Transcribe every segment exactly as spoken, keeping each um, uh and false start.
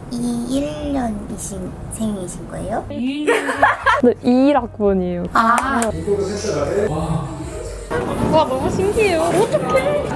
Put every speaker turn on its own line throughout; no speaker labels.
이십일 년이신 생이신 거예요?
네, 이십일 학번이에요.
아,
와, 너무 신기해요. 어떡해.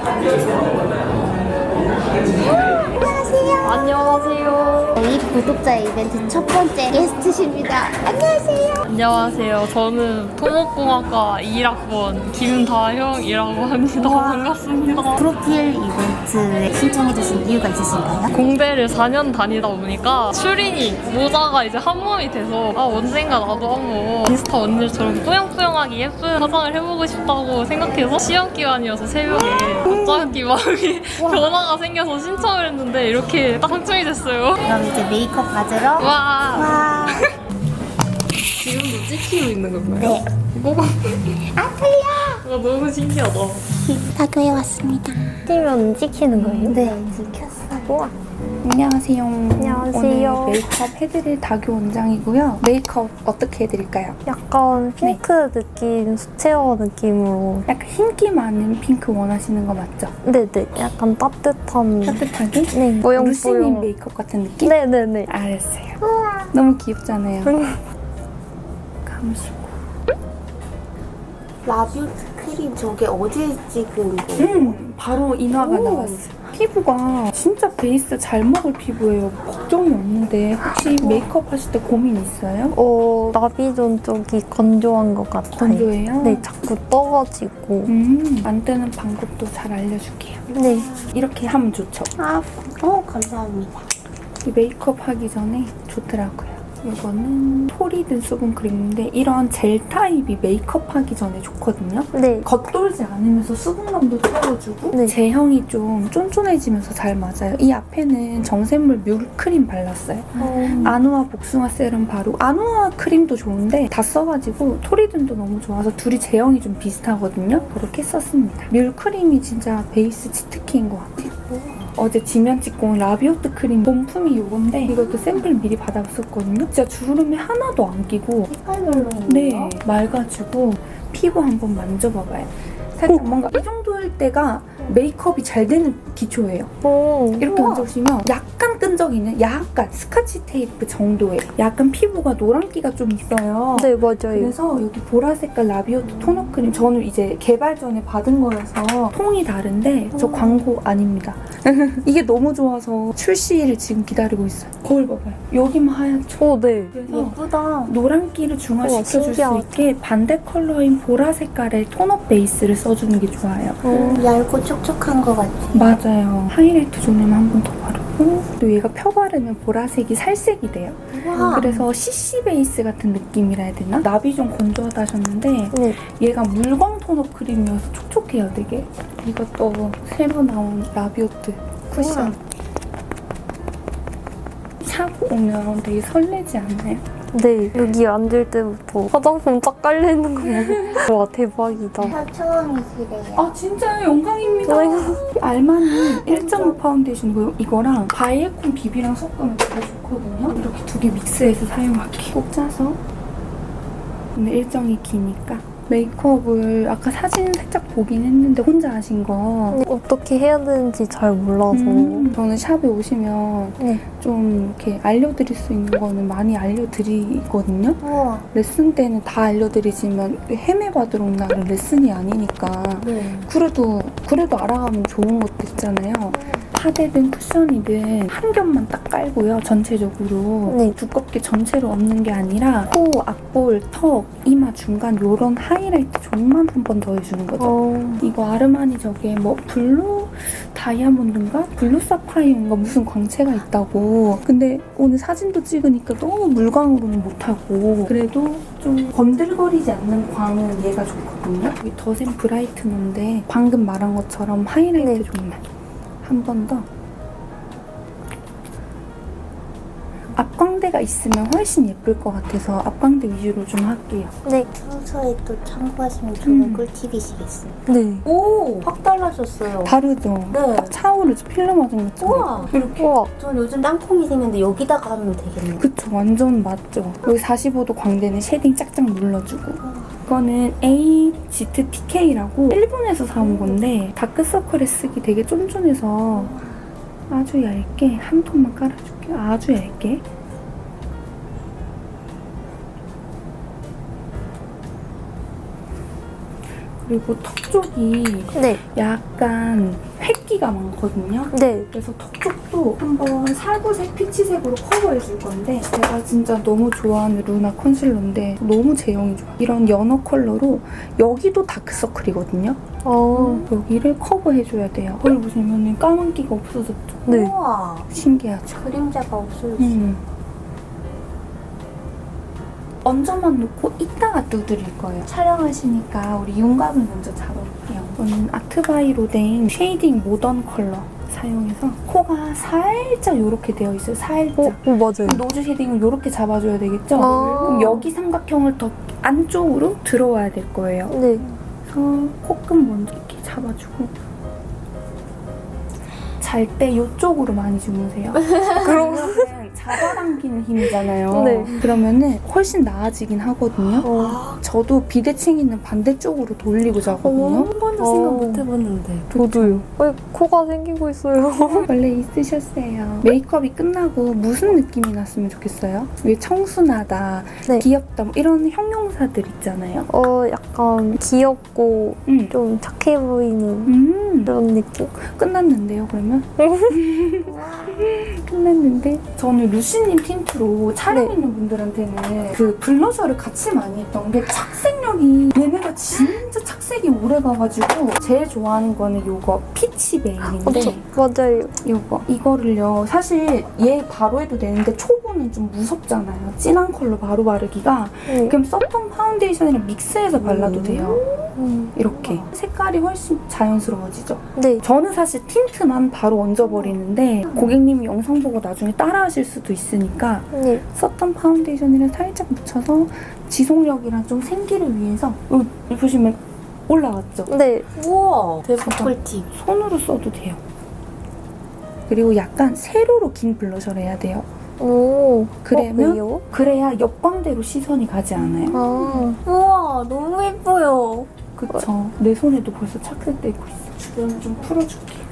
안녕하세요.
안녕하세요.
저희 구독자 이벤트 첫 번째 게스트십니다. 안녕하세요.
안녕하세요. 저는 토목공학과 이일 학번 김다형이라고 합니다. 반갑습니다.
프로필 이벤트에 신청해주신 이유가 있으신가요?
공대를 사 년 다니다 보니까 추리닝, 모자가 이제 한 몸이 돼서 아 언젠가 나도 한번 인스타 언니들처럼 뿌영뿌영하게 예쁜 화장을 해보고 싶다고 생각해서 시험 기간이어서 새벽에 갑자기 마음이 변화가 생겨서 신청을 했는데 이렇게 딱 당첨이 됐어요.
그럼 이제 메이크업 받으러
와,
와.
지금도 찍히고 있는 건가요?
네.
뭐가
아, 틀려.
아, 너무 신기하다.
다교에 왔습니다.
찍으면 찍히는 거예요?
네, 찍혔어요.
우와.
안녕하세요.
안녕하세요.
오늘 메이크업 해드릴 다교 원장이고요. 메이크업 어떻게 해드릴까요?
약간 핑크 느낌, 수채화 느낌으로.
약간 흰기 많은 핑크 원하시는 거 맞죠?
네네. 약간 따뜻한.
따뜻하게?
네.
루시님
뽀용뽀용.
메이크업 같은 느낌?
네네네.
알았어요. 너무 귀엽잖아요. 감시고.
라뷰트 크림 저게 어제 찍은 거예요?
음, 바로 인화가
오.
나왔어요. 피부가 진짜 베이스 잘 먹을 피부예요. 걱정이 없는데 혹시 메이크업 하실 때 고민 있어요?
어, 나비존 쪽이 건조한 것 같아요.
건조해요?
네, 자꾸 떠가지고.
음, 안 뜨는 방법도 잘 알려줄게요.
네.
이렇게 하면 좋죠.
아, 어, 감사합니다.
이 메이크업 하기 전에 좋더라고요. 이거는 토리든 수분크림인데 이런 젤 타입이 메이크업 하기 전에 좋거든요.
네.
겉돌지 않으면서 수분감도 채워주고
네.
제형이 좀 쫀쫀해지면서 잘 맞아요. 이 앞에는 정샘물 뮬크림 발랐어요.
어,
아누아 복숭아 세럼 바르고 아누아 크림도 좋은데 다 써가지고 토리든도 너무 좋아서 둘이 제형이 좀 비슷하거든요. 그렇게 썼습니다. 뮬크림이 진짜 베이스 치트키인 것 같아요. 어제 지면 찍고 온 라비오트 크림 본품이 요건데 이것도 샘플 미리 받아봤었거든요. 진짜 주름이 하나도 안 끼고
색깔별로 있는
네
거?
맑아지고 피부 한번 만져봐봐요. 살짝 뭔가 이 정도일 때가 메이크업이 잘 되는 기초예요.
오.
이렇게
우와.
만져보시면 약간 끈적이는 약간 스카치 테이프 정도의 약간 피부가 노란기가 좀 있어요.
네, 맞아요.
그래서 여기 보라색깔 라비오트 토너 크림 저는 이제 개발 전에 받은 거여서 통이 다른데 저 광고 아닙니다. 이게 너무 좋아서 출시를 지금 기다리고 있어요. 거울 봐봐요. 여기만 하얗죠?
오, 네.
그래서
예쁘다.
노란기를 중화시켜줄 수
신기하다.
있게 반대 컬러인 보라 색깔의 톤업 베이스를 써주는 게 좋아요.
어.
얇고 촉촉한 것 같아.
맞아요. 하이라이트 존에만 한 번 더 바르고 또 얘가 펴 바르면 보라색이 살색이 돼요.
와.
그래서 씨씨 베이스 같은 느낌이라 해야 되나? 나비 좀 건조하다 하셨는데
네.
얘가 물광 톤업 크림이어서 촉촉해요 되게. 이것도 새로 나온 라비오트 쿠션.
우와.
사고 오면 되게 설레지 않나요?
네. 여기 앉을 때부터 화장품 쫙 깔려있는 거 보고. 와, 대박이다.
다 처음이시래요.
아 진짜요? 영광입니다. 알마니 일 점 오 파운데이션 이거랑 바이에콘 비비랑 섞으면 되게 좋거든요. 이렇게 두 개 믹스해서 사용할게요. 꼭 짜서. 근데 일정이 기니까. 메이크업을 아까 사진 살짝 보긴 했는데 혼자 하신 거.
어떻게 해야 되는지 잘 몰라서.
음, 저는 샵에 오시면
네.
좀 이렇게 알려드릴 수 있는 거는 많이 알려드리거든요.
우와.
레슨 때는 다 알려드리지만 헤매받으러 온 날은 레슨이 아니니까
네.
그래도 그래도 알아가면 좋은 것도 있잖아요. 파데든 쿠션이든 한 겹만 딱 깔고요. 전체적으로
네.
두껍게 전체로 얹는 게 아니라 코, 앞볼, 턱, 이마 중간 요런 하이라이트 존만 한 번 더 해주는 거죠.
어.
이거 아르마니 저게 뭐 블루 다이아몬드인가? 블루 사파이어인가 무슨 광채가 있다고. 근데 오늘 사진도 찍으니까 너무 물광으로는 못하고 그래도 좀 번들거리지 않는 광은 얘가 좋거든요. 여기 더샘 브라이트너인데 방금 말한 것처럼 하이라이트
네.
존만 한 번 더. 앞광대가 있으면 훨씬 예쁠 것 같아서 앞광대 위주로 좀 할게요.
네.
평소에 또 참고하시면 좋은
음.
꿀팁이시겠어요.
네.
오! 확 달라졌어요.
다르죠?
네.
딱 차오르죠? 필러 맞은 것처럼.
우와!
이렇게.
우와.
전 요즘 땅콩이 생겼는데 여기다가 하면 되겠네요.
그쵸, 완전 맞죠. 여기 사십오 도 광대는 쉐딩 짝짝 눌러주고. 이거는 에이지트 티케이라고 일본에서 사온 건데 다크서클에 쓰기 되게 쫀쫀해서 아주 얇게 한 톤만 깔아줄게요. 아주 얇게. 그리고 턱 쪽이
네.
약간 획기가 많거든요.
네.
그래서 턱 쪽도 한번 살구색 피치색으로 커버해줄 건데 제가 진짜 너무 좋아하는 루나 컨실러인데 너무 제형이 좋아. 이런 연어 컬러로 여기도 다크서클이거든요.
어.
여기를 커버해줘야 돼요. 거기 보시면 까만기가 없어졌죠?
네.
우와. 신기하죠?
그림자가 없어졌어.
음. 얹어만 놓고 이따가 두드릴 거예요. 촬영하시니까 우리 윤곽을 먼저 잡아볼게요. 이거는 아트바이로댕 쉐이딩 모던 컬러 사용해서 코가 살짝 이렇게 되어 있어요. 살짝.
어, 어 맞아요.
노즈 쉐딩을 이렇게 잡아줘야 되겠죠?
아.
그럼 여기 삼각형을 더 안쪽으로 들어와야 될 거예요.
네.
그래서 코끝 먼저 이렇게 잡아주고 잘 때 이쪽으로 많이 주무세요. 그러면 잡아당기는 힘이잖아요.
네.
그러면은 훨씬 나아지긴 하거든요.
어.
저도 비대칭 있는 반대쪽으로 돌리고 자거든요.
한 번도
어.
생각 못 해봤는데.
저도요. 왜 코가 생기고 있어요?
원래 있으셨어요. 메이크업이 끝나고 무슨 느낌이 났으면 좋겠어요? 왜 청순하다,
네.
귀엽다 뭐 이런 형용사들 있잖아요.
어, 약간 귀엽고
음.
좀 착해 보이는
음.
그런 느낌?
끝났는데요, 그러면? 끝났는데 저는 루시님 틴트로 촬영
네.
있는 분들한테는 그 블러셔를 같이 많이 했던 게 착색력이 얘네가 진짜 착색이 오래 가가지고 제일 좋아하는 거는 요거 피치 베일인데
어, 맞아요.
요거 이거를요 사실 얘 바로 해도 되는데 초보는 좀 무섭잖아요. 진한 컬러 바로 바르기가.
네.
그럼 썼던 파운데이션이랑 믹스해서 발라도 돼요.
음.
이렇게 색깔이 훨씬 자연스러워지죠.
네.
저는 사실 틴트만 바로 얹어버리는데 고객님이 영상 보고 나중에 따라하실 수도 있으니까
네.
썼던 파운데이션이랑 살짝 묻혀서 지속력이랑 좀 생기를 위해서 여기 보시면 올라왔죠?
네.
우와 대박
진짜.
꿀팁.
손으로 써도 돼요. 그리고 약간 세로로 긴 블러셔를 해야 돼요.
오.
그러면
어, 왜요?
그래야 옆광대로 시선이 가지 않아요.
아.
우와 너무 예뻐요.
그쵸? 내 손에도 벌써 착색되고 있어. 주변을 좀 풀어줄게요.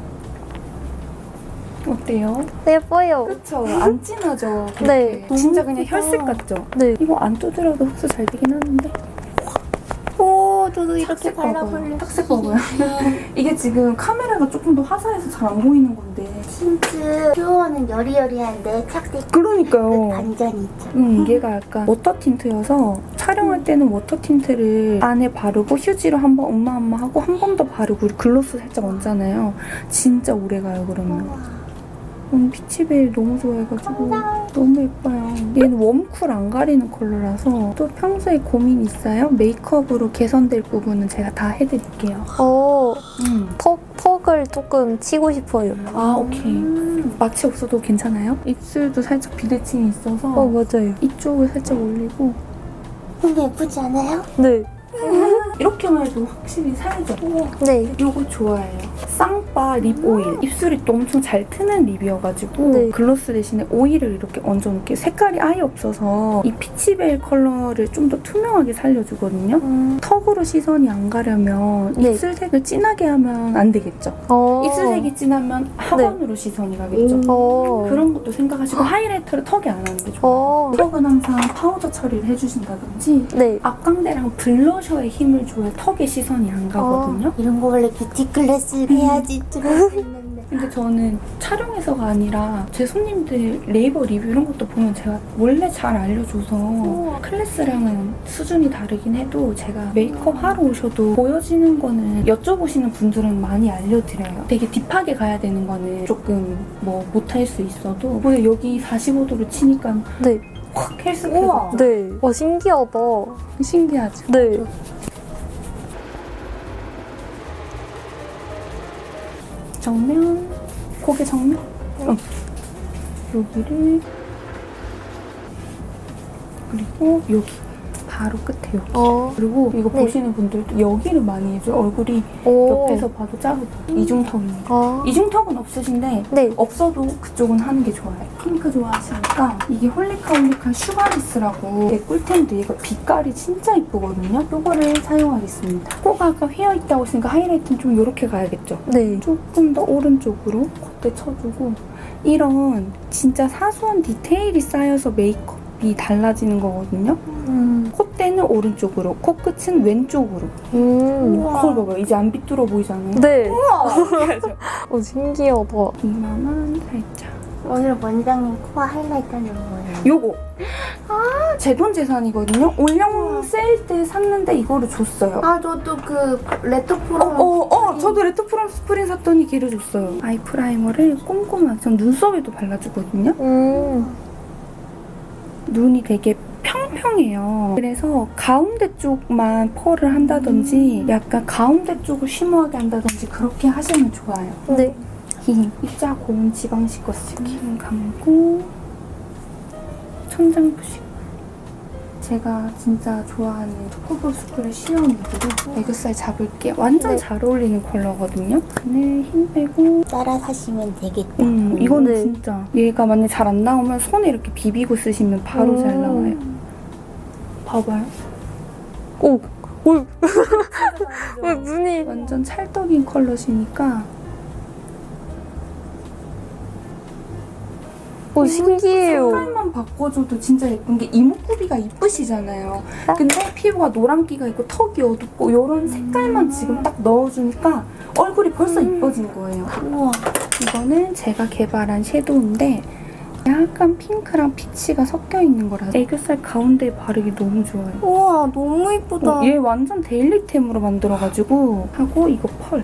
어때요?
예뻐요.
그쵸? 안 진하죠? 그렇게.
네.
진짜
너무
그냥
예쁘다.
혈색 같죠?
네.
이거 안 두드려도 흡수 잘 되긴 하는데
오, 저도 이렇게
착색 발라볼래.
착색 봐봐요. 이게 지금 카메라가 조금 더 화사해서 잘 안 보이는 건데
틴트 표현은 여리여리한데 착색
그러니까요.
반전이 있죠.
음, 얘가 약간 워터 틴트여서 촬영할 때는 워터 틴트를 안에 바르고 휴지로 한번 엄마 엄마 하고 한 번 더 바르고 글로스 살짝 얹잖아요. 진짜 오래가요 그러면. 음, 피치베일 너무 좋아해가지고 너무 예뻐요. 얘는 웜쿨 안 가리는 컬러라서 또 평소에 고민 있어요? 메이크업으로 개선될 부분은 제가 다 해드릴게요.
어,
음.
턱, 턱을 조금 치고 싶어요.
아 오케이. 마취 없어도 괜찮아요? 입술도 살짝 비대칭이 있어서
어, 맞아요.
이쪽을 살짝 올리고
너무 예쁘지 않아요?
네.
이렇게만 해도 확실히 살죠?
네.
이거 좋아해요. 쌍바 립 오일. 입술이 또 엄청 잘 트는 립이어가지고
네.
글로스 대신에 오일을 이렇게 얹어놓을게요. 색깔이 아예 없어서 이 피치벨 컬러를 좀 더 투명하게 살려주거든요.
음.
턱으로 시선이 안 가려면
네.
입술색을 진하게 하면 안 되겠죠.
어.
입술색이 진하면 하반으로 시선이 가겠죠.
어.
그런 것도 생각하시고 하이라이터를 턱에 안 하는 게 좋아요.
어.
턱은 항상 파우더 처리를 해주신다든지
네.
앞광대랑 블러셔에 힘을 줘야 턱에 시선이 안 가거든요.
이런 거 원래 뷰티 클래스 해야지 들었었는데.
근데 저는 촬영에서가 아니라 제 손님들 네이버 리뷰 이런 것도 보면 제가 원래 잘 알려줘서 클래스랑은 수준이 다르긴 해도 제가 메이크업 하러 오셔도 보여지는 거는 여쭤보시는 분들은 많이 알려드려요. 되게 딥하게 가야 되는 거는 조금 뭐 못할 수 있어도 근데 여기 사십오 도로 치니까
네.
확 헬스케서
네. 와, 신기하다.
신기하죠?
네.
정면, 고개 정면. 어. 여기를 그리고 여기 바로 끝에 여기.
어.
그리고 이거
네.
보시는 분들도 여기를 많이 해줘요. 얼굴이
오.
옆에서 봐도 작아요. 이중턱입니다.
아.
이중턱은 없으신데
네.
없어도 그쪽은 하는 게 좋아요. 핑크 좋아하시니까 이게 홀리카홀리카 슈가리스라고 얘 꿀템인데 얘가 빛깔이 진짜 이쁘거든요. 이거를 사용하겠습니다. 코가 아까 휘어있다고 했으니까 하이라이트는 좀 이렇게 가야겠죠.
네.
조금 더 오른쪽으로 콧대 쳐주고 이런 진짜 사소한 디테일이 쌓여서 메이크업이 달라지는 거거든요.
음.
콧대는 오른쪽으로, 코끝은 왼쪽으로.
음.
거울 봐봐요. 이제 안 빗뚫어 보이잖아요.
네.
그래서
어, 신기하다.
이마만 살짝.
오늘 원장님 코어 하이라이트는 뭐예요?
요거. 아, 제 돈 재산이거든요. 올영 세일 때 샀는데 이거를 줬어요.
아 저도 그 레토
어,
프로
어, 어, 저도 레토프롬 스프린 샀더니 걔를 줬어요. 아이 프라이머를 꼼꼼하게, 전 눈썹에도 발라주거든요.
음.
눈이 되게 평평해요. 그래서 가운데 쪽만 펄을 한다든지 약간 가운데 쪽을 쉬머하게 한다든지 그렇게 하시면 좋아요.
네.
입자 고운 지방 씻었을게. 눈 감고 천장 푸시고. 제가 진짜 좋아하는 투쿠볼 스쿨의 시어 누드로 애교살 잡을게요. 완전
네.
잘 어울리는 컬러거든요. 눈에 힘 빼고.
따라 사시면 되겠다.
음, 이거는
네.
진짜 얘가 만약 잘 안 나오면 손에 이렇게 비비고 쓰시면 바로
음.
잘 나와요. 봐봐요.
오. 오. 왜 눈이.
완전 찰떡인 컬러시니까
오, 신기해요.
색깔만 바꿔줘도 진짜 예쁜 게 이목구비가 이쁘시잖아요. 근데 피부가 노란기가 있고 턱이 어둡고 이런 색깔만 지금 딱 넣어주니까 얼굴이 벌써 이뻐진 거예요.
우와.
이거는 제가 개발한 섀도우인데 약간 핑크랑 피치가 섞여 있는 거라서 애교살 가운데에 바르기 너무 좋아요.
우와 너무 이쁘다.
어, 얘 완전 데일리템으로 만들어가지고 하고 이거 펄.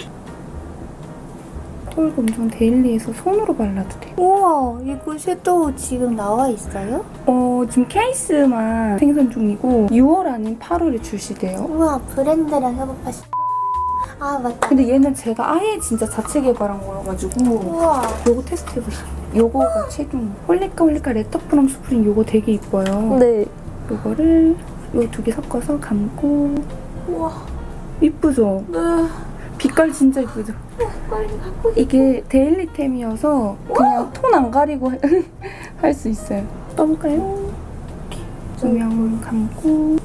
펄 엄청 데일리해서 손으로 발라도 돼요.
우와 이거 섀도우 지금 나와 있어요?
어, 지금 케이스만 생산 중이고 유월 아닌 팔월에 출시돼요.
우와 브랜드랑 협업하시. 아 맞다.
근데 얘는 제가 아예 진짜 자체 개발한 거여가지고
우와.
요거 테스트해보세요. 요거가 최종 홀리카 홀리카 레터프롬 스프링 요거 되게 이뻐요.
네.
요거를 요 두 개 섞어서 감고.
우와.
이쁘죠?
네.
빛깔 진짜 이쁘죠?
빨리 갖고.
이게 데일리템이어서 그냥 톤 안 가리고 할 수 있어요. 떠볼까요? 이렇게 조명 감고.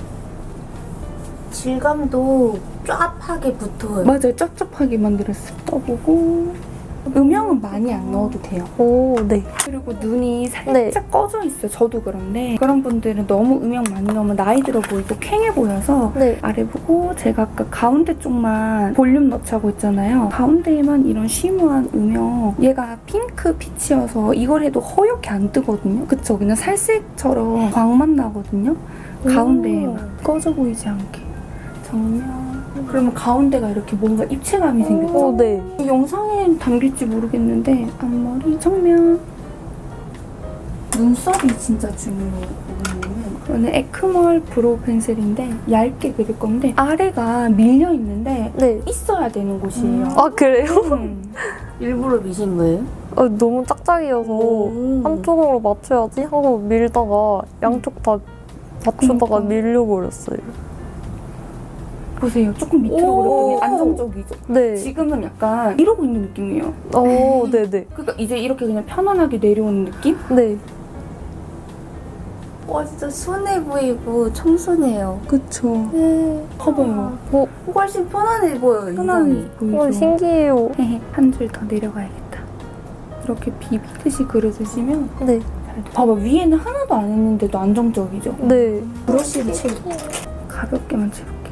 질감도 쫙하게 붙어요.
맞아요. 쩝쩝하게 만들었어요. 떠보고. 음영은 많이 안 넣어도 돼요.
오, 네.
그리고 눈이 살짝
네.
꺼져 있어요. 저도 그런데 그런 분들은 너무 음영 많이 넣으면 나이 들어 보이고 캥해 보여서
네.
아래 보고 제가 아까 가운데 쪽만 볼륨 넣자고 했잖아요. 가운데에만 이런 쉬머한 음영. 얘가 핑크 피치여서 이걸 해도 허옇게 안 뜨거든요. 그쵸? 그냥 살색처럼 광만 나거든요. 가운데에만 꺼져 보이지 않게. 정면. 그러면 가운데가 이렇게 뭔가 입체감이 생겼죠?
오, 네.
이 영상에 담길지 모르겠는데 앞머리 정면. 눈썹이 진짜 중요해요. 이거는 에크멀 브로우 펜슬인데 얇게 그릴 건데 아래가 밀려 있는데
네.
있어야 되는 곳이에요.
아, 그래요?
음.
일부러 미신 거예요?
아, 너무 짝짝이어서
오.
한쪽으로 맞춰야지 하고 밀다가 양쪽 다 맞추다가
그러니까.
밀려버렸어요.
보세요. 조금 밑으로
오.
그렸더니 안정적이죠.
네.
지금은 약간 이러고 있는 느낌이에요.
오, 네네.
그러니까 이제 이렇게 그냥 편안하게 내려오는 느낌?
네.
와 진짜 순해 보이고 청순해요.
그쵸.
네.
봐봐요.
어,
훨씬 편안해 보여요.
편안해
인상이.
보이죠?
오, 신기해요.
한 줄 더 내려가야겠다. 이렇게 비비듯이 그려주시면
네.
잘 돼. 봐봐, 위에는 하나도 안 했는데도 안정적이죠?
네.
브러쉬를 채우고 가볍게만 채울게요.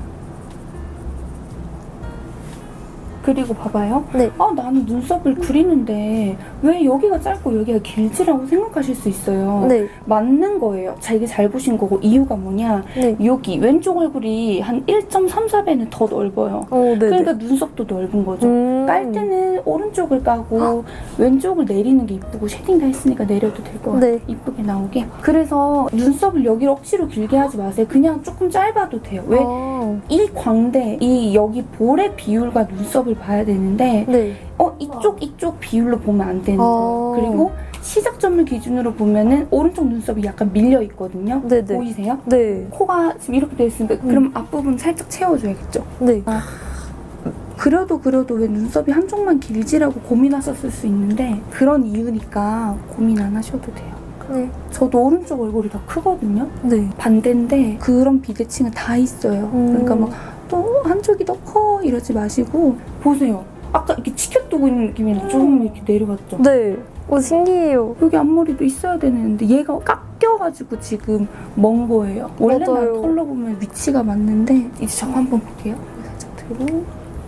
그리고 봐봐요.
네.
아, 나는 눈썹을 그리는데 왜 여기가 짧고 여기가 길지라고 생각하실 수 있어요.
네.
맞는 거예요. 자, 이게 잘 보신 거고 이유가 뭐냐.
네.
여기 왼쪽 얼굴이 한 일 점 삼사 배는 더 넓어요.
오, 네네.
그러니까 눈썹도 넓은 거죠.
음.
깔 때는 오른쪽을 까고 왼쪽을 내리는 게 이쁘고 쉐딩 다 했으니까 내려도 될 것 같아요.
네.
이쁘게 나오게. 그래서 눈썹을 여기를 억지로 길게 하지 마세요. 그냥 조금 짧아도 돼요. 왜?
아,
이 광대, 이 여기 볼의 비율과 눈썹을 봐야 되는데
네.
어 이쪽 이쪽 비율로 보면 안 되는
아.
거예요. 그리고 시작점을 기준으로 보면은 오른쪽 눈썹이 약간 밀려 있거든요.
네네.
보이세요?
네.
코가 지금 이렇게 되어 있으니까 그럼 앞부분 살짝 채워줘야겠죠.
네.
그려도 그려도 왜 눈썹이 한쪽만 길지라고 고민하셨을 수 있는데 그런 이유니까 고민 안 하셔도 돼요.
네.
저도 오른쪽 얼굴이 더 크거든요.
네.
반대인데 그런 비대칭은 다 있어요.
음.
그러니까 막 또 한쪽이 더 커 이러지 마시고 보세요. 아까 이렇게 치켜두고 있는 느낌이 좀 이렇게 내려갔죠?
네. 오, 신기해요.
여기 앞머리도 있어야 되는데 얘가 깎여가지고 지금 먼 거예요. 원래 난
맞아요.
컬러 보면 위치가 맞는데 이제 저 한번 볼게요. 살짝 들고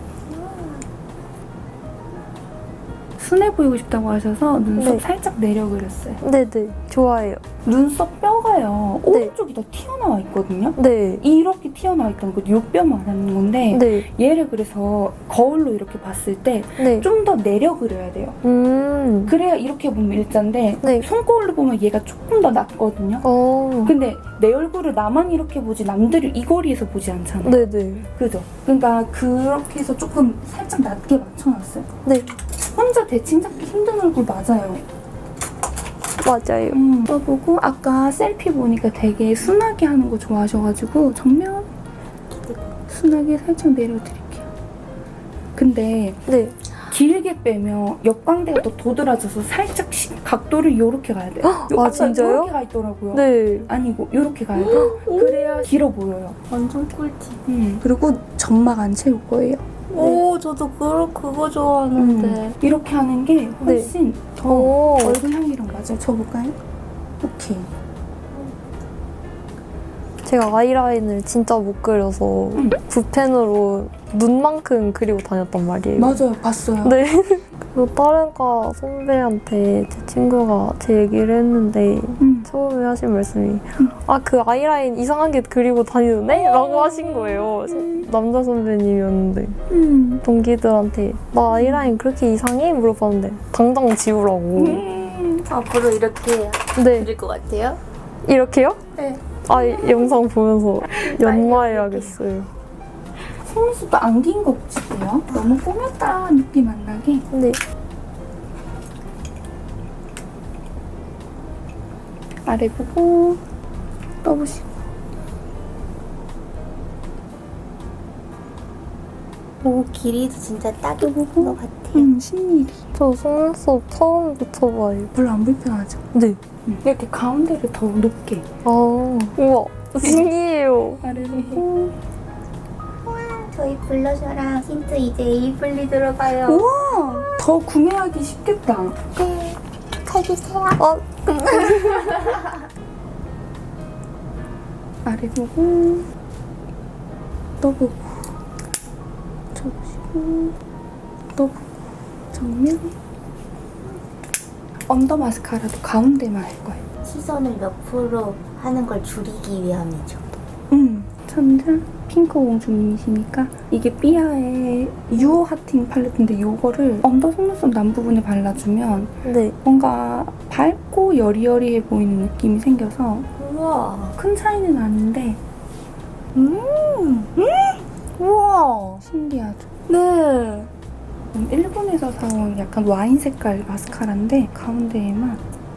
순해 보이고 싶다고 하셔서 눈썹
네.
살짝 내려 그렸어요.
네네. 좋아해요.
눈썹 뼈가요.
네.
오른쪽이 더 튀어나와 있거든요.
네.
이렇게 튀어나와 있던 거 요 뼈 말하는 건데
네.
얘를 그래서 거울로 이렇게 봤을 때
네.
좀 더 내려 그려야 돼요.
음.
그래야 이렇게 보면 일자인데
네.
손거울로 보면 얘가 조금 더 낮거든요.
어.
근데 내 얼굴을 나만 이렇게 보지 남들을 이 거리에서 보지 않잖아요.
네네.
그죠? 그러니까 그렇게 해서 조금 살짝 낮게 맞춰놨어요.
네.
혼자 대칭 잡기 힘든 얼굴 맞아요.
맞아요.
음, 써보고 아까 셀피 보니까 되게 순하게 하는 거 좋아하셔가지고 정면 순하게 살짝 내려드릴게요. 근데
네.
길게 빼면 역광대가 더 도드라져서 살짝 시- 각도를 요렇게 가야 돼요. 요-
아,
아까
진짜요?
요렇게 가 있더라고요.
네.
아니고 요렇게 가야 돼요. 그래야 길어 보여요.
완전 꿀팁.
음. 그리고 점막 안 채울 거예요.
오, 저도 그, 그거 좋아하는데.
음. 이렇게 하는 게 훨씬 더
오.
얼굴 향이랑 맞아요. 쳐볼까요? 오케이.
제가 아이라인을 진짜 못 그려서
음.
붓펜으로 눈만큼 그리고 다녔단 말이에요.
맞아요. 봤어요.
네. 그리고 다른 과 선배한테 제 친구가 제 얘기를 했는데
음.
처음에 하신 말씀이 아, 그 아이라인 이상하게 그리고 다니는데? 라고 하신 거예요. 남자 선배님이었는데
음.
동기들한테 나 아이라인 그렇게 이상해? 물어봤는데 당장 지우라고.
음.
앞으로 이렇게
네.
그릴 것 같아요?
이렇게요?
네.
아, 이 영상 보면서 연마해야겠어요.
속눈썹도 안 긴 거 붙일게요. 너무 꾸몄다 느낌 안 나게.
네.
아래 보고 떠보시고.
오, 길이도 진짜 딱인 것 같아요.
음, 신일이.
저 속눈썹 처음 붙여봐요.
별로 안 불편하죠?
네.
음. 이렇게 가운데를 더 높게.
아, 우와. 신기해요.
아래 보고.
저희 블러셔랑 틴트 이제 에이블리 들어가요.
우와! 더 구매하기 쉽겠다.
네. 가주세요.
아,
아래 보고. 떠보고. 쳐보시고. 떠보고. 정면. 언더 마스카라도 가운데만 할 거예요.
시선을 몇 프로 하는 걸 줄이기 위함이죠.
음, 천장 핑크 공주님이시니까 이게 삐아의 유어 하팅 팔레트인데 이거를 언더 속눈썹 남 부분에 발라주면
네.
뭔가 밝고 여리여리해 보이는 느낌이 생겨서
우와.
큰 차이는 아닌데
음. 음. 우와.
신기하죠?
네.
음, 일본에서 사온 약간 와인 색깔 마스카라인데 가운데에만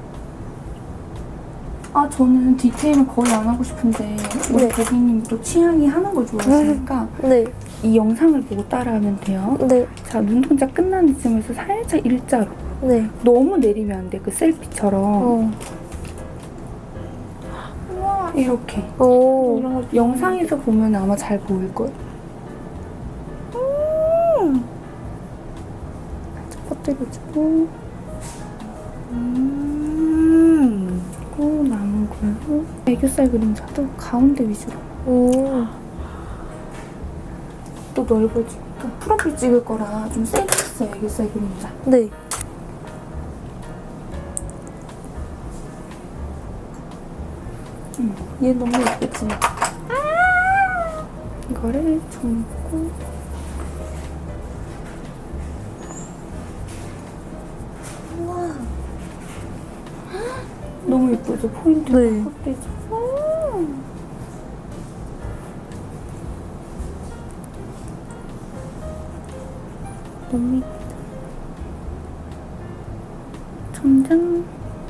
아 저는 디테일은 거의 안 하고 싶은데 우리
네.
고객님도 취향이 하는 걸 좋아하시니까
네.
이 영상을 보고 따라하면 돼요.
네.
자, 눈동자 끝난 이쯤에서 살짝 일자로.
네.
너무 내리면 안 돼. 그 셀피처럼.
어.
이렇게.
오.
이런 거 영상에서 보면 아마 잘 보일 거예요. 음. 살짝 퍼뜨려주고.
음.
그리고 남은 걸로 애교살 그림자도 가운데 위주로.
오.
또 넓어지니까 프로필 찍을 거라 좀 세게 했어요. 애교살 그림자.
네.
음, 얘 너무 예쁘지? 이거를 접고
우와.
너무 예쁘죠? 포인트가
네.
확 되죠? 너무 예쁘다. 천장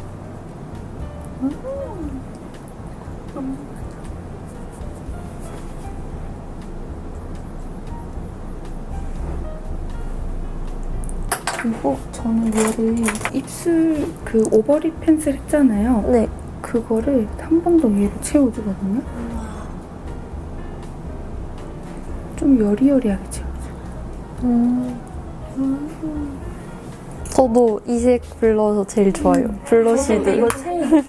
그리고 저는 얘를 입술 그 오버립 펜슬 했잖아요.
네.
그거를 한 번 더 얘로 채워주거든요. 좀 여리여리하게 채워줘요.
음.
저도 이 색 블러셔 제일 좋아요. 블러 시드.
이거 제일.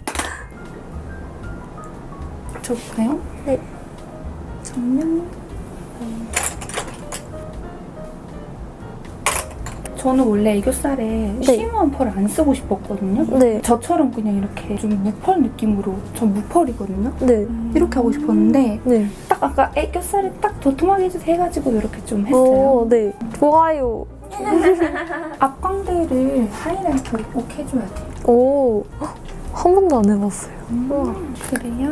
줘볼까요?
네.
정면. 저는 원래 애교살에 쉬머한 펄을 안 쓰고 싶었거든요.
네.
저처럼 그냥 이렇게 좀 무펄 느낌으로, 전 무펄이거든요.
네.
이렇게 하고 싶었는데
네.
딱 아까 애교살에 딱 도톰하게 해가지고 이렇게 좀 했어요.
오, 네. 좋아요.
앞광대를 하이라이터를 꼭 해줘야 돼요.
오, 한 번도 안 해봤어요. 우와.
그래야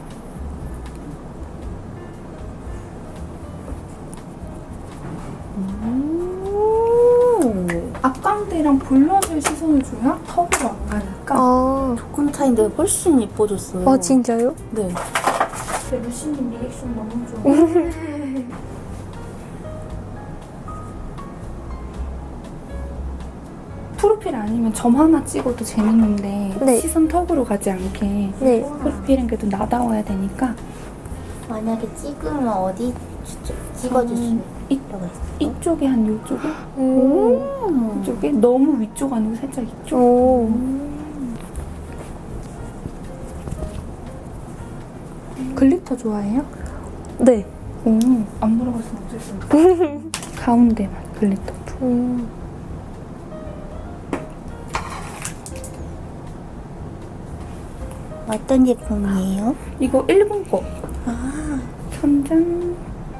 앞광대랑 블러셔 시선을 줘야 턱으로 안 가니까.
아,
조금 차인데 훨씬 예뻐졌어요.
아 진짜요?
네.
근데 루시님 리액션 너무 좋아. 프로필 아니면 점 하나 찍어도 재밌는데
네.
시선 턱으로 가지 않게
네.
프로필은 그래도 나다워야 되니까
만약에 찍으면 어디 추- 찍어줄 수
음, 이,
있다고 했어요?
이쪽에 한 이쪽에
음.
이쪽에 너무 위쪽 아니고 살짝 이쪽.
오.
글리터 좋아해요?
네.
오, 안 물어봤으면 어쩔 수 없어. 가운데만 글리터.
음.
어떤 제품이에요?
이거 일본 거.
아,
천장.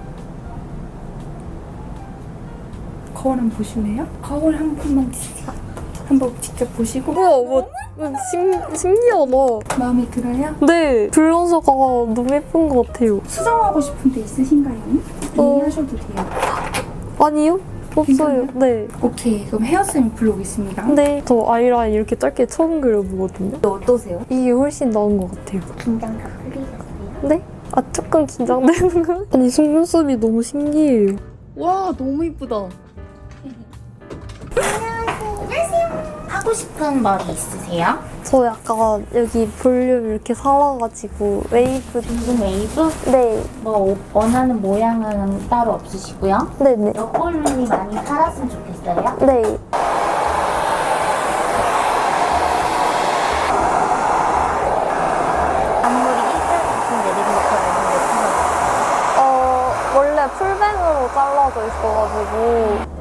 거울 한번 보실래요? 거울 한 번만 한번 직접 보시고
우와, 뭐, 신, 신기하다.
마음에 들어요?
네. 블러셔가 너무 예쁜 것 같아요.
수정하고 싶은 데 있으신가요?
어.
얘기하셔도 돼요.
아니요? 없어요. 네.
오케이, 그럼 헤어쌤 불러오겠습니다.
네. 저 아이라인 이렇게 짧게 처음 그려보거든요.
어떠세요?
이게 훨씬 나은 것 같아요.
긴장 다 풀리셨어요?
네? 아, 조금 긴장되는 거? 아니, 속눈썹이 너무 신기해요.
와, 너무 이쁘다.
하고 싶은 머리 있으세요?
저 약간 여기 볼륨 이렇게 살아가지고 웨이브.
무슨 웨이브?
네.
뭐 원하는 모양은 따로 없으시고요.
네네.
옆볼륨이 많이 살았으면 좋겠어요.
네.
앞머리 일자같이 내리는 것처럼 예쁘거든요.
어, 원래 풀뱅으로 잘라져 있어가지고.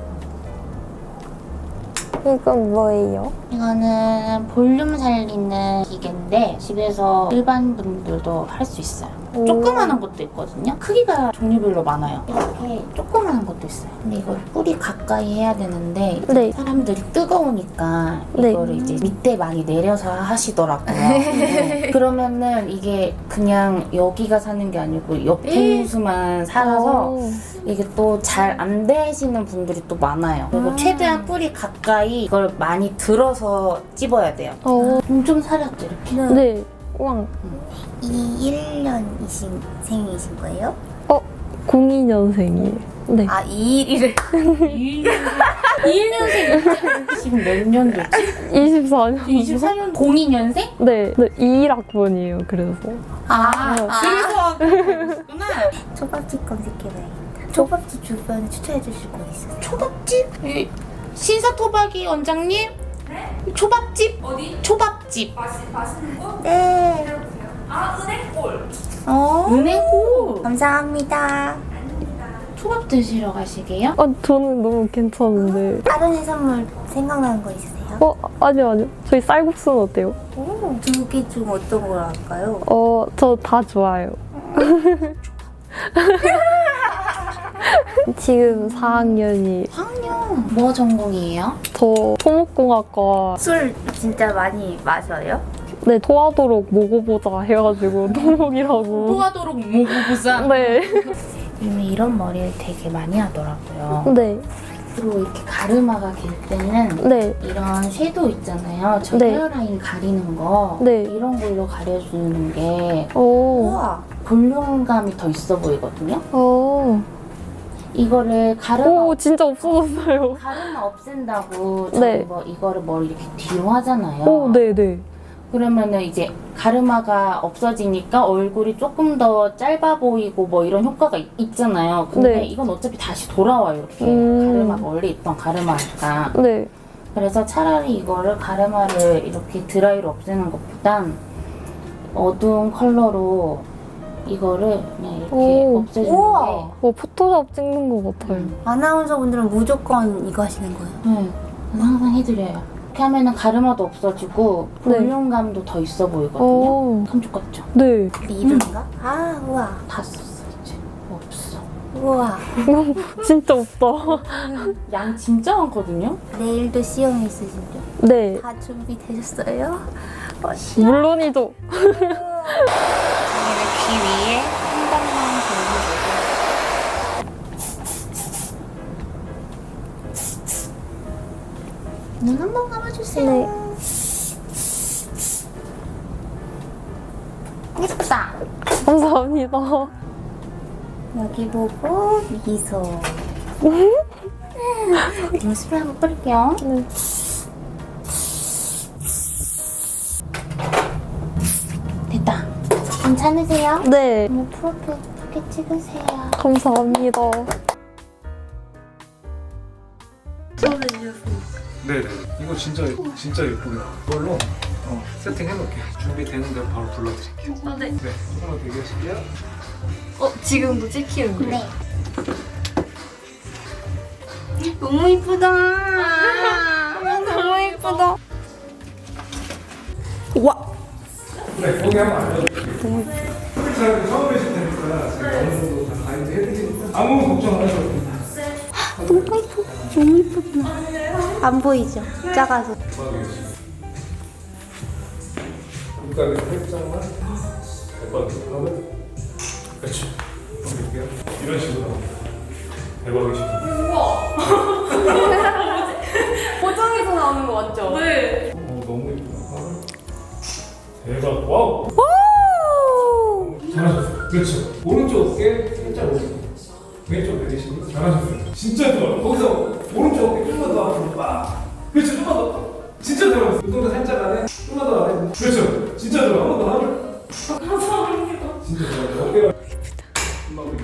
이건 뭐예요?
이거는 볼륨 살리는 기계인데 집에서 일반 분들도 할 수 있어요.
오.
조그만한 것도 있거든요. 크기가 종류별로 많아요. 이렇게 조그만한 것도 있어요. 근데 이걸 뿌리 가까이 해야 되는데
네.
사람들이 뜨거우니까
네.
이거를 이제 밑에 많이 내려서 하시더라고요. 네. 그러면은 이게 그냥 여기가 사는 게 아니고 옆통수만 살아서
오.
이게 또 잘 안 되시는 분들이 또 많아요. 그리고 최대한 뿌리 가까이 이걸 많이 들어서 찝어야 돼요.
어.
음, 좀 살았죠, 이렇게?
네. 우왕.
이십일 년이신 생이신 거예요?
공이 년생이에요. 네.
아, 이십일을. 이십일 년생 지금 몇 년도지?
이십사 년.
이십사 년 공이 년생?
네. 네. 이 일 학번이에요, 그래서.
아,
아.
그래서 그랬구나. 초밥집 검색해봐야겠다. 초밥집 주변에 추천해 주실 거 있으세요? 초밥집? 이, 신사토박이 원장님? 네? 초밥집? 어디? 초밥집. 맛있, 맛있는 거? 네. 아, 은행골. 어. 은행골. 감사합니다. 초밥 드시러 가시게요?
아, 저는 너무 괜찮은데.
다른 해산물 생각나는 거 있으세요?
어, 아니요, 아니요. 저희 쌀국수는 어때요?
두 개 중 어떤 걸 할까요?
어, 저 다 좋아요. 지금 사 학년이
사 학년. 뭐 전공이에요?
저 토목공학과
술 진짜 많이 마셔요?
네 토하도록 먹어보자 해가지고 토목이라고.
토하도록 모구부산.
네.
요즘에 이런 머리를 되게 많이 하더라고요.
네.
그리고 이렇게 가르마가 길 때는
네.
이런 섀도우 있잖아요. 저
네.
헤어라인 가리는 거
네.
이런 걸로 가려주는 게
오.
우와, 볼륨감이 더 있어 보이거든요.
오.
이거를 가르마
오, 진짜 없어졌어요.
가르마 없앤다고
네.
저희 뭐 이거를 머리 이렇게 뒤로 하잖아요.
오, 네네.
그러면은 이제 가르마가 없어지니까 얼굴이 조금 더 짧아 보이고 뭐 이런 효과가 있, 있잖아요. 근데
네.
이건 어차피 다시 돌아와요. 이렇게
음.
가르마가 원래 있던 가르마니까.
네.
그래서 차라리 이거를 가르마를 이렇게 드라이로 없애는 것보단 어두운 컬러로 이거를 그냥 이렇게
오.
없애주는
우와.
뭐 포토샵 찍는 것 같아요.
아나운서분들은 무조건 이거 하시는 거예요?
게 네, 저는 항상 해드려요. 이렇게 하면은 가르마도 없어지고
네.
볼륨감도 더 있어 보이거든요.
오.
감쪽 같죠?
네.
리뷰인가? 아, 우와.
다 썼어 이제. 없어.
우와.
진짜 없다.
양 진짜 많거든요?
내일도 시험 있으시죠?
네.
다 준비되셨어요?
물론이죠.
귀 위에 한 번만 돌려주고 눈 한 번 감아주세요.
네.
예쁘다.
감사합니다.
여기 보고 미소.
눈썹을 한번 뿌릴게요.
네.
됐다. 괜찮으세요?
네.
오늘 프로필 예쁘게 찍으세요.
감사합니다.
네네. 이거 진짜 진짜 예쁘게 이걸로 어, 세팅해 놓을게요. 준비되는 대로 바로 불러드릴게요.
아, 네.
네, 조금만 대기하실게요.
어, 지금도 찍히는 거예요?
네.
너무 이쁘다. 너무 이쁘다. 와.
네, 거기 한번 알려드릴게요. 잘 처음 뵈실 테니까 제가 어느 정도 다 가이드 해드리니까 아무 걱정 안 하셔도 됩니다.
너무 이쁘. 너무 이쁘다. 안 보이죠? 작아서.
눈가게 살짝만 대박으로 하고 그렇죠. 볼게요. 이런 식으로 대박이시죠.
포장해서 나오는 거 맞죠? 네.
어, 너무 예쁘다. 대박. 와우. 잘하셨어요. 그렇죠. 오른쪽 어깨 살짝 오른쪽. 왼쪽 내리시고 잘하셨어요. 진짜 좋아요. 거기서 오른쪽 어깨 좀만 더 앞으로 빡. 그렇죠. 좀만 더. 진짜 좋아요. 눈동자 살짝 안에. 좀만 더 안에. 그렇죠. 진짜 좋아요. 한 번 더 하면. 감사합니다. 진짜 좋아요. 어깨가. 좀만 더.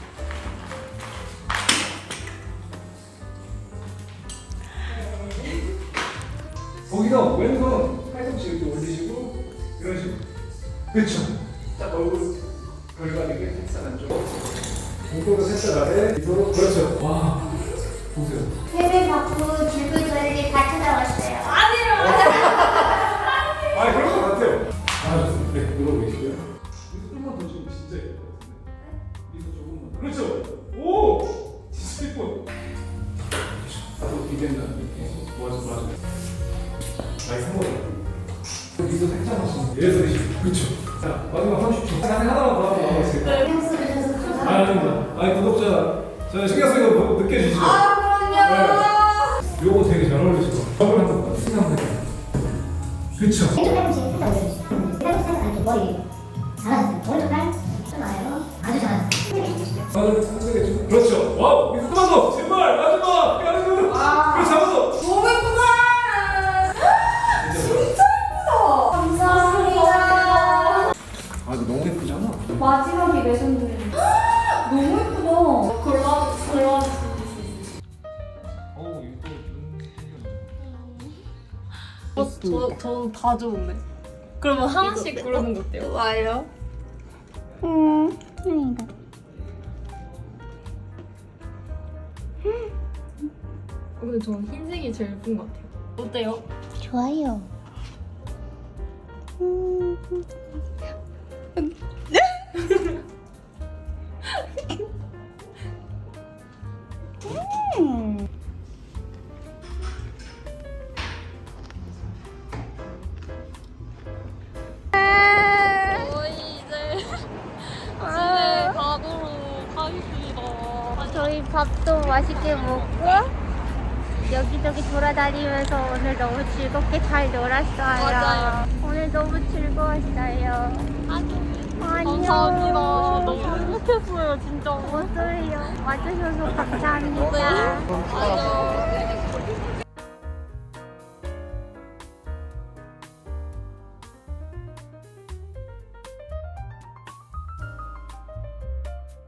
거기서 왼손 팔꿈치 이렇게 올리시고 이런 식으로. 그렇죠. 딱 얼굴 결과되게 살짝 안쪽. 목도도 살짝 아래. 이도로 그렇죠. 와 보세요.
세배 받고 줄글 저에게 다 찾아왔어요.
아 그럴 것 같아요. 잘하셨습니다. 네 이러고 계시고요. 미소 조금만 더 주면 진짜 예쁠 것 같은데. 미소 조금만. 그렇죠. 오 진짜 예뻐. 나도 기대된다. 이렇게 모아서 모아서. 나이 산 거죠. 미소 살짝 하시면 예를 들으시고 그렇죠. 자 마지막 삼십 초. 자세 하나만 더 하고 나가겠습니다.
신경 써주셔서 감사합니다.
아, 아닙니다. 아니, 구독자, 저 신경 쓰는 거 느껴지시죠? 아, 그럼요. 네. 요거 되게 잘 어울리시고. 저걸 한번 생각해요. 그쵸?
왼쪽 팔꿈치 살짝 올려주세요. 팔꿈치 살짝 이렇게 머리 잘하셨어요. 오른쪽 팔 좋아요. 아주 잘하셨어요.
아, 상대겠죠? 그렇죠. 와우! 이거 한번 더! 제발! 마지막! 가는 거! 그렇지, 한 번 더!
너무 예쁘다. 진짜 예쁘다. 감사합니다.
아, 이거 너무 예쁘잖아.
마지막에 레전드. 너무 예쁘다.
골라, 골라.
어우, 이거 또.
어, 저, 저는 다 좋은데. 그러면 하나씩 고르는 거 어때요?
와요.
어, 근데 저는 흰색이 제일 예쁜 것 같아요. 어때요?
좋아요.
저희 이제 집에 가도록 하겠습니다.
저희 밥도 맛있게 먹고 여기저기 돌아다니면서 오늘 너무 즐겁게 잘 놀았어요.
맞아요.
오늘 너무 즐거웠어요. 안녕.
감사합니다. 너무 행복했어요, 진짜.
저도요. 와주셔서 감사합니다.
네. 안녕.